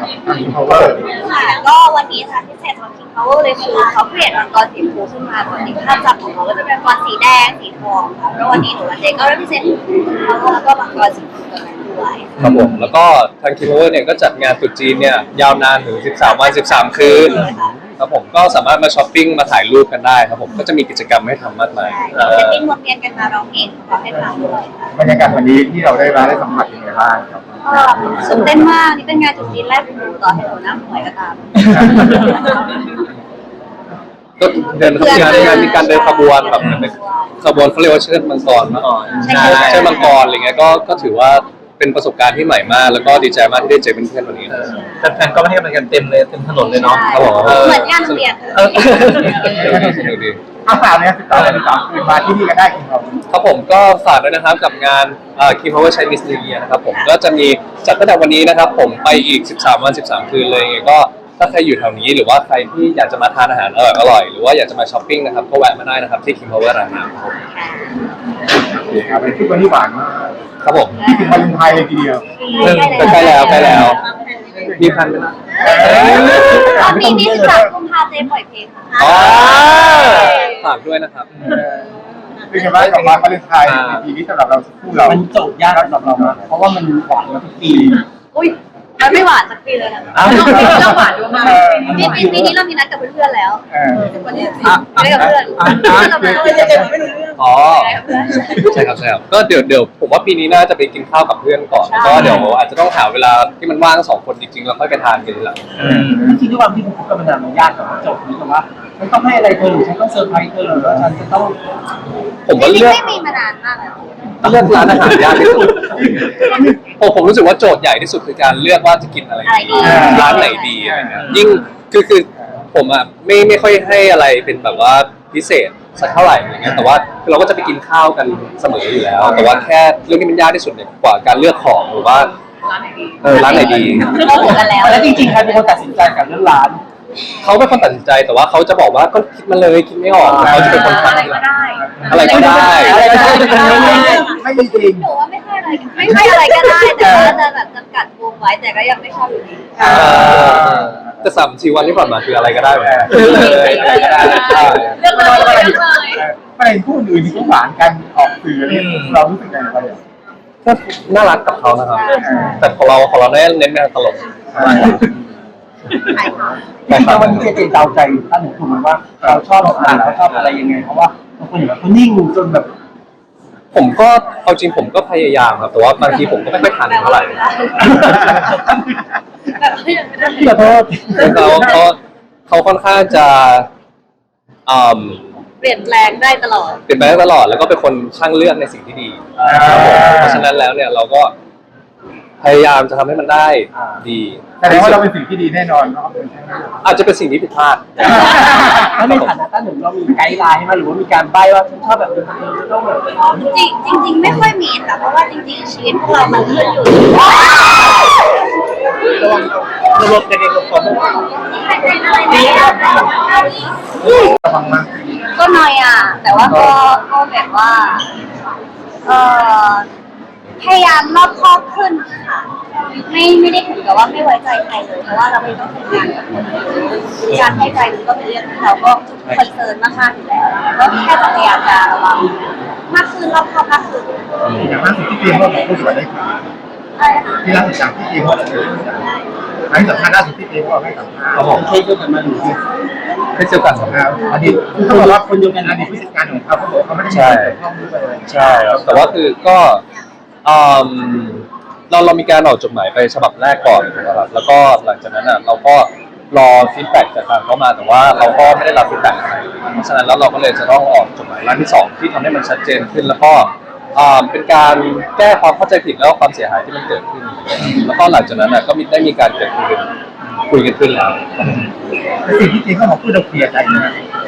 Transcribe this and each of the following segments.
ทาง King Power ค่ะก็วันนี้ค่ะพิเศษของ King Power เลยคือเขาเปลี่ยนมังกรสีชมพูขึ้นมาปกติภาพจำของเขาก็จะเป็นมังกรสีแดงสีทองค่ะแล้ววันนี้หนูวันเด็กก็ได้พิเศษ King Power แล้วก็มังกรสีชมพูตัวนั้นด้วยครับผมแล้วก็ทาง King Power เนี่ยก็จัดงานตรุษจีนเนี่ยยาวนานถึง13 วัน 13 คืนครับผมก็สามารถมาช้อปปิ้งมาถ่ายรูปกันได้ครับผมก็จะมีกิจกรรมให้ทำมากมายจะติ้งวนเวียนกันมาร้องเพลงขอให้ฟังด้วยค่ะบรรยากาศวันนี้ที่เราได้มาได้สัมผัสยังไงบ้างครับก็ตื่นเต้นมากนี่เป็นงานจุดจีนแรกของหนูต่อให้หนูหน้าหวยก็ตามก็เดินงานมีการเดินขบวนแบบขบวนเขาเรียกว่าเชิดมังกรเมื่อก่อนเชิดมังกรอะไรเงี้ยก็ถือว่าเป็นประสบการณ์ที่ใหม่มากแล้วก็ดีใจมากที่ได้เจอเพื่อนๆวันนี้แฟนๆก็ไม่ให้กำลังใจเต็มเลยเต็มถนนเลยเนาะครับผมเหมือนงานเรียนสนุกดีอาสาเนี่ย13 คืนมาที่นี่กันได้จริงครับครับผมก็ฝากด้วยนะครับกับงานKing Power Chinese New Year นะครับผมก็จะมีจัดตั้งแต่วันนี้นะครับผมไปอีก13 วัน 13 คืนเลยไงก็ถ้าใครอยู่แถวนี้หรือว่าใครที่อยากจะมาทานอาหารอร่อยหรือว่าอยากจะมาช้อปปิ้งนะครับก็แวะมาได้นะครับที่ King Power ร้านน้ำครับครับเป็นที่วันที่หวานมากครับผมที่ถึงวาเลนไทน์เลยทีเดียวใกล้แล้วมีพันไหมตอนนี้นี่13 กุมภาพันธ์เจปล่อยเพลงค่ะฝากด้วยนะครับเป็นไงบ้างกับวาเลนไทน์ในปีนี้สำหรับเราคู่เรามันโจทย์ยากสำหรับเราเพราะว่ามันหวานมาทุกปีอุ้ยมันไม่หวานสักปีเลยนะเราหวานด้วยมากปีนี้เรามีนัดกับเพื่อนๆแล้ววันที่14ไม่กับเพื่อนเราไม่ได้เจอไม่รู้เรื่องอ๋อใช่ครับก็เดี๋ยวผมว่าปีนี้น่าจะไปกินข้าวกับเพื่อนก่อนก็เดี๋ยวอาจจะต้องหาเวลาที่มันว่าง2 คนจริงๆแล้วค่อยไปทานกันทีหลังจริงๆด้วยความที่ผมคบกันมานานมันยากกับโจทย์นี้แต่ว่าฉันต้องให้อะไรเธอหรือฉันต้องเซอร์ไพรส์เธอหรือว่าฉันจะต้องผมว่าเลือกไม่มีมานานมากแล้วเลือกร้านอาหารยากที่สุดผมรู้สึกว่าโจทย์ใหญ่ที่สุดคือการเลือกว่าจะกินอะไรดีร้านไหนดีอะไรเงี้ยยิ่งคือผมอ่ะไม่ค่อยให้อะไรเป็นแบบว่าพิเศษสักเท่าไหร่อะไรเงี้ยแต่ว่าคือเราก็จะไปกินข้าวกันเสมออยู่แล้วแต่ว่าแค่เรื่องที่มันยากที่สุดเนี่ยกว่าการเลือกของหรือว่าร้านไหนดีเราเหมือนกันแล้วจริงๆใครเป็นคนตัดสินใจกับเรื่องร้านเขาเป็นคนตัดสินใจแต่ว่าเขาจะบอกว่าก็คิดมาเลยคิดไม่ออกเขาจะเป็นคนทำอะไรก็ได้อะไรก็ได้ไม่มีจริงหนูว่าไม่ใช่อะไรก็ได้แต่ว่าจะแบบจำกัดวงไว้แต่ก็ยังไม่ชอบอยู่ดีแต่3-4 วันที่ผ่านมาคืออะไรก็ได้เลยเรื่องอะไรประเด็นคู่อื่นที่เขาหวานกันออกสื่อเนี่ยเรารู้สึกยังไงบ้างก็น่ารักกับเขานะครับแต่ของเราเน้นในตลกแต่วันนี้เจเดาใจท่านหนูถูกไหมว่าเราชอบอะไรเราชอบอะไรยังไงเพราะว่าบางคนอย่างแบบเขานิ่งจนแบบผมก็เอาจริงผมก็พยายามครับแต่ว่าบางทีผมก็ไม่ค่อยทันเท่าไหร่ขอโทษเขาค่อนข้างจะเปลี่ยนแปลงได้ตลอดแล้วก็เป็นคนช่างเลือกในสิ่งที่ดีเพราะฉะนั้นแล้วเนี่ยเราก็พยายามจะทำให้มันได้ดีแต่ว่าเราเป็นสิ่งที่ดีแน่นอนเนาะอาจจะเป็นสิ่งที่ผิดพลาดแล้วในฐานะท่านหนึ่งเรามีไกด์ไลน์ให้มาหรือว่ามีการใบ้ว่าฉันชอบแบบนี้ต้องแบบจริงไม่ค่อยมีค่ะเพราะว่าจริงๆชีวิตพวกเรามันขึ้นอยู่ระบบการเรียนรู้ของก็น้อยแต่ว่าก็แบบว่าพยายามรอบคอบขึ้นค่ะไม่ได้ถึงกับว่าไม่ไว้ใจใครเลยเพราะว่าเราไม่ต้องทำงานกับคนการให้ใจมันก็เป็นเรื่องที่เราก็คอนเซิร์นมากๆอยู่แล้วก็แค่จะพยายามจะระวังมากขึ้นรอบคอบมากขึ้นอย่างล่าสุดที่เตรียมว่าผู้สวยได้ค่ะที่ล่าสุดจากที่เตรียมว่าให้สัมภาษณ์ล่าสุดที่เตรียมว่าให้สัมภาษณ์เขาบอกเคสเดียวกันมาหรือเคสเดียวกันครับอดีตเขาบอกว่าคนเดียวกันอดีตผู้จัดการของเขาบอกเขาไม่ได้ใช่ใช่แต่ว่าคือก็เรามีการออกจดหมายไปฉบับแรกก่อนนะครับแล้วก็หลังจากนั้นเราก็รอฟีดแบ็กจากทางเขามาแต่ว่าเราก็ไม่ได้รับฟีดแบ็กอะไรเพราะฉะนั้นแล้วเราก็เลยจะต้องออกจดหมายร่างที่2ที่ทำให้มันชัดเจนขึ้นแล้วก็เป็นการแก้ความเข้าใจผิดแล้วก็ความเสียหายที่มันเกิดขึ้นแล้วก็หลังจากนั้นก็ได้มีการเกิดคุยกันขึ้นแล้วสิ่งที่จริงเขาบอกพูดเราเคลียร์ใจนะ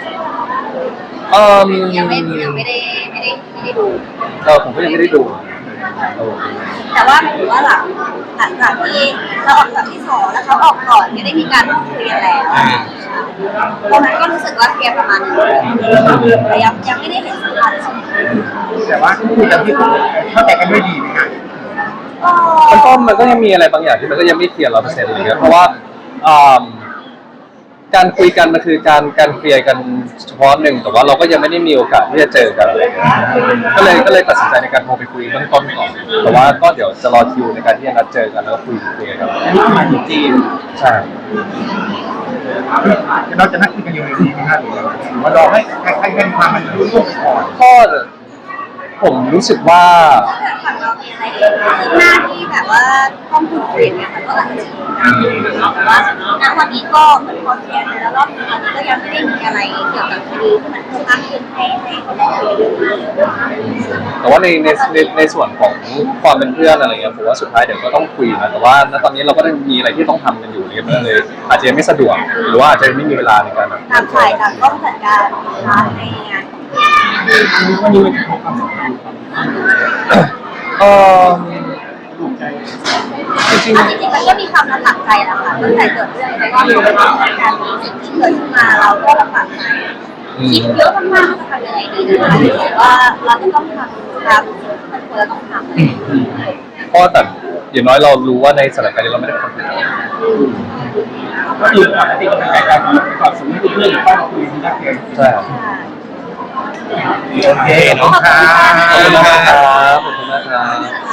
ยังไม่ได้ดูผมก็ยังไม่ได้ดูแต่ว่าถือว่าหลังจากที่เราออกจากที่2แล้วเขาออกก่อนไม่ได้มีการพูดคุยกันแล้วตอนนั้นก็รู้สึกว่าเคลียร์ประมาณนึงแต่ยังไม่ได้เห็นสัญญาณแต่ว่าคุยกันที่เข้าใจกันด้วยดีไหมคะมันก็ยังมีอะไรบางอย่างที่มันก็ยังไม่เคลียร์100%อะไรเงี้ยเพราะว่าอ่าการคุยกันมันคือการเคลียร์กันเฉพาะหนึ่งแต่ว่าเราก็ยังไม่ได้มีโอกาสที่จะเจอกันอะไรเงี้ยก็เลยตัดสินใจในการโทรไปคุยเบื้องต้นก่อนแต่ว่าก็เดี๋ยวจะรอคิวในการที่จะนัดเจอกันแล้วก็คุยเคลียร์กันอันนี้คือหมายถึงจีนใช่เราจะนัดคุยกันอยู่ในนี้ไหมครับหรือว่ารอให้ใครเป็นความมันรู้ล่วงก่อนก็ผมรู้สึกว่าฝั่งเรามีอะไรคืบหน้าที่แบบว่าต้องพูดคุยเนี่ยมันก็อาจจะแต่ว่าณวันนี้ก็เหมือนพอเคลียร์แล้วรอบนี้อันนี้ก็ยังไม่ได้มีอะไรเกี่ยวกับคดีที่มันเพิ่มมากขึ้นให้คนได้คุยกันแต่ว่าในส่วนของความเป็นเพื่อนอะไรเงี้ยผมว่าสุดท้ายเดี๋ยวก็ต้องคุยนะแต่ว่าณตอนนี้เราก็ได้มีอะไรที่ต้องทำกันอยู่เนี่ยมันเลยอาจจะยังไม่สะดวกหรือว่าอาจจะไม่มีเวลาในการแบบต่างฝ่ายต่างต้องจัดการนะคะในงานวันนี้มันจะพบกับเออถูกใจจริงจริงๆมันก็มีความลำบากใจแหละค่ะตั้งแต่เกิดเรื่องไปว่าการสิ่งที่เกิดขึ้นมาเราก็ลำบากใจคิดเยอะมากๆว่าจะทำยังไงดีนะคะรู้สึกว่าเราจะต้องทำตามสิ่งที่มันควรจะต้องทำเพราะแต่อย่างน้อยเรารู้ว่าในสถานการณ์นี้เราไม่ได้เป็นคนผิดก็คือปกติก็เป็นการก่อนสมมติเพื่อนหรือว่าคุยที่นักเรียนใช่ครับโอเคขอบคุณครัขอบคุณบมากครับขอบคุณมากครับ